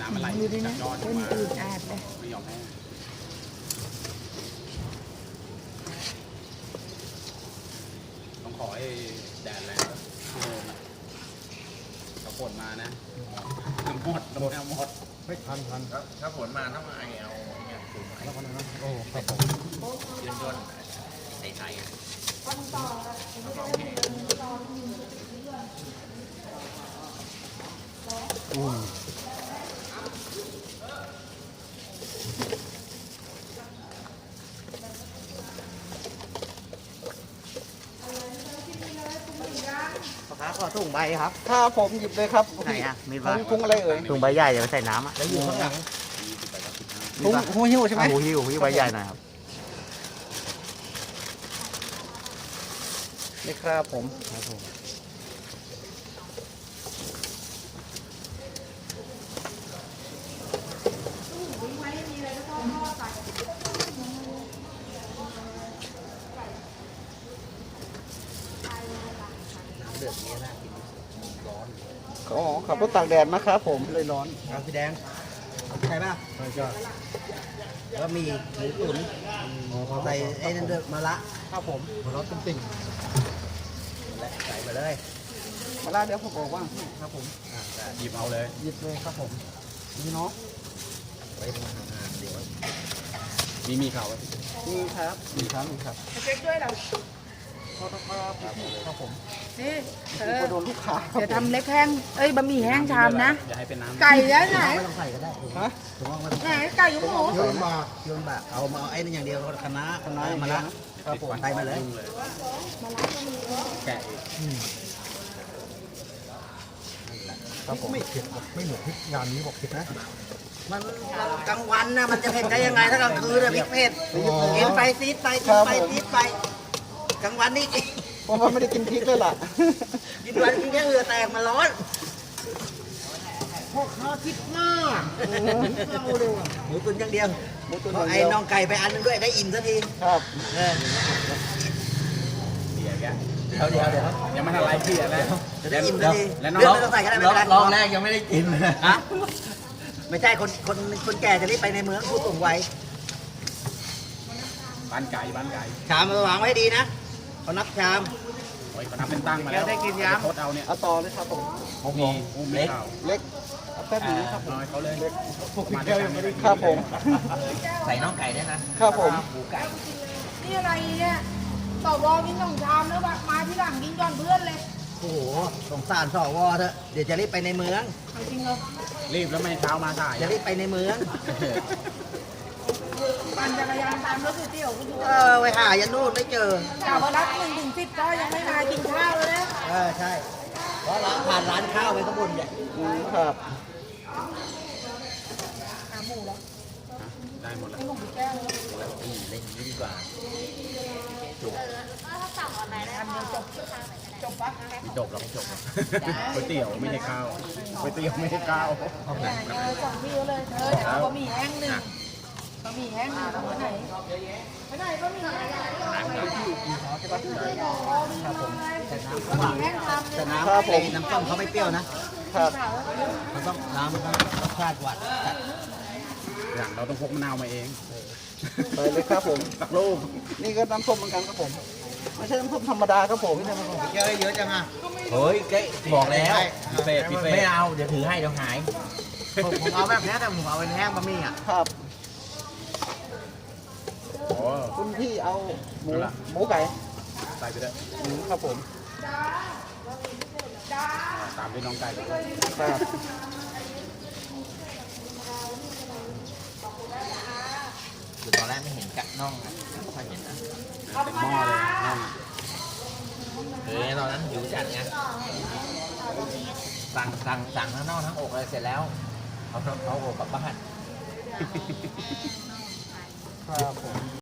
น้ำมันไหลดูดินะจากยอดเป็นมาอืดอาดเลยไม่ยอมแห้งต้องขอให้แดดแรงแล้วถ้าฝนมานะหมดหมดไม่ทันถ้าฝนมาต้องมาเอาเนี่ยสูงแล้วคนนั้นโอ้ครับผมยืนยนไทยอ่ะอืมพ่อค้าขอถุงใบครับถ้าผมหยิบเลยครับไหนอ่ะมีถุบ้างถุงอะไรเอ่ยถุงใบใหญ่เดี๋ยวไปใส่น้ำอ่ะแล้วอยู่ข้างหลังถุงหูหิ้วใช่ไหมหูหิ้วใบใหญ่หน่อยครับนี่ครับผมเดือดนี้น่ากินร้อนอ๋อขับรถตากแดดนะครับผมเลยร้อนเอาพี่แดงใช่ป่ะใช่จ้ะแล้วมีหมูตุ๋นใส่ไอ้นั่นเดือดมะระครับผมหัวเราะตุ้มติ่งใส่มาเลยมาล่าเดี๋ยวผมบอกว่าครับผมหยิบเอาเลยหยิบเลยครับผมนี่เนาะไว้ห่างๆเดี๋ยวมีข่าวนี่ครับนี่ครับนี่ครับเช็คด้วยเหรอขอโทษครับครับผมนี่เอนี่อก็โดนลูกค้าครับเดี๋ยวทำเล็กแห้งเอ้ยบะหมี่แห้งชามนะอย่าให้เป็นน้ำไก่แล้วไหนไม่ต้องใส่ก็ได้ฮะถุงไม่ต้องไหนไก่ยุ้งหมูโยนมาโยนบะเอามาเอาไอ้นั่นอย่างเดียวคณะมะระครับผมใส่มาเลยแกะอีกครับผมไม่เผ็ดไม่เหมือนพริกงานนี้บอกเผ็ดนะมันกลางวันนะมันจะเผ็ดได้ยังไงถ้ากลางคืนอะพริกเผ็ดกินไปซีดไปกินไปซีดไปกลางวันนี่กินเพราะว่าไม่ได้กินพริกเลยล่ะกินวันกินแค่เหงื่อแตกมันร้อนพ่อค้าคิดมากเอาเร็วหมูตุ๋นอย่างเดียวหมูตุ๋นอเอาย่างไอ้เดียวน้องไก่ไปอันนึงด้วยได้อิ่มสักทีครับเออเดี๋ยวแกะเดี๋ยวยังไม่ทันไรพี่แล้วจะได้อิ่มสักทีแล้วน้เลืออดงไม่ต้องใส่ก็ได้ไม่เป็นไรรอบแรกยังไม่ได้กินฮะไม่ใช่คนแก่จะรีบไปในเมืองผู้สูงวัยบ้านไก่ชามมาวางไว้ให้ดีนะเขานับชามโอ้ยเขาทำเป็นตั้งมาแล้วแกได้กินยังโคตรเอาเนี่ยเอาต่อเลยครับผมมีอุ้มเล็กเล็กเอาแป๊บนึงนะครับผมน้อยเขาเลยมาแก้วยังไม่ได้ครับผมใส่น้องไก่ด้วยนะครับผมหมูไก่นี่อะไรเนี่ยต่อรองกิน2 ชามแล้วแบบมาที่หลังกินก่อนเพื่อนเลยโอ้โหสงสารสวเถอะเดี๋ยวจะรีบไปในเมืองเอาจริงเหรอรีบแล้วไม่เช้ามาสายจะรีบไปในเมืองปั่นจักรยานตามรถก๋วยเตี๋ยวก็ดูไปหายันนู่นไม่เจอแต่พอรับ1 ถึง 10ก็ยังไม่มากินข้าวเลยนะใช่เพราะร้านผ่านร้านข้าวไปข้างบนเนี่ยครับหาหมูแล้วได้หมดแล้วให้หมูไปแก้วเลยเล่นยิ่งกว่าอันเดียวจบปะไม่จบหรอกก๋วยเตี๋ยวไม่ใช่ข้าวก๋วยเตี๋ยวไม่ใช่ข้าวไหนส่งพี่เขาเลยเดี๋ยวเอาบะหมี่แห้ง1บะหมี่แห้ง1เอาไปไหนไปไหนบะหมี่แห้งทำแต่น้ำครับผมน้ำต้มเขาไม่เปรี้ยวนะครับ มันต้องน้ำมันต้องรสชาติหวานจัดอย่างเราต้องพกมะนาวมาเองไปเลยครับผมสักลูกนี่ก็น้ำส้มเหมือนกันครับผม ไม่ใช่น้ำส้มธรรมดาครับผมเยอะเยอะจังอ่ะเฮ้ยเก๊บอกแล้วพิเศษไม่เอาเดี๋ยวถือให้เดี๋ยวหายผมเอาแบบนี้แต่ผมเอาเป็นแห้งบะหมี่อ่ะครับโอ้คุณพี่เอาหมูไก่ใส่ไปเลยครับผมตามด้วยน้องไก่ครับคือตอนแรกไม่เห็นกะน่องนะไม่ค่อยเห็นนะเต็มหม้อเลยน้องตอนนั้นหิวจัดไงสั่งทั้งน่องทั้งอกเลยเสร็จแล้วเอาอกกลับบ้านครับผม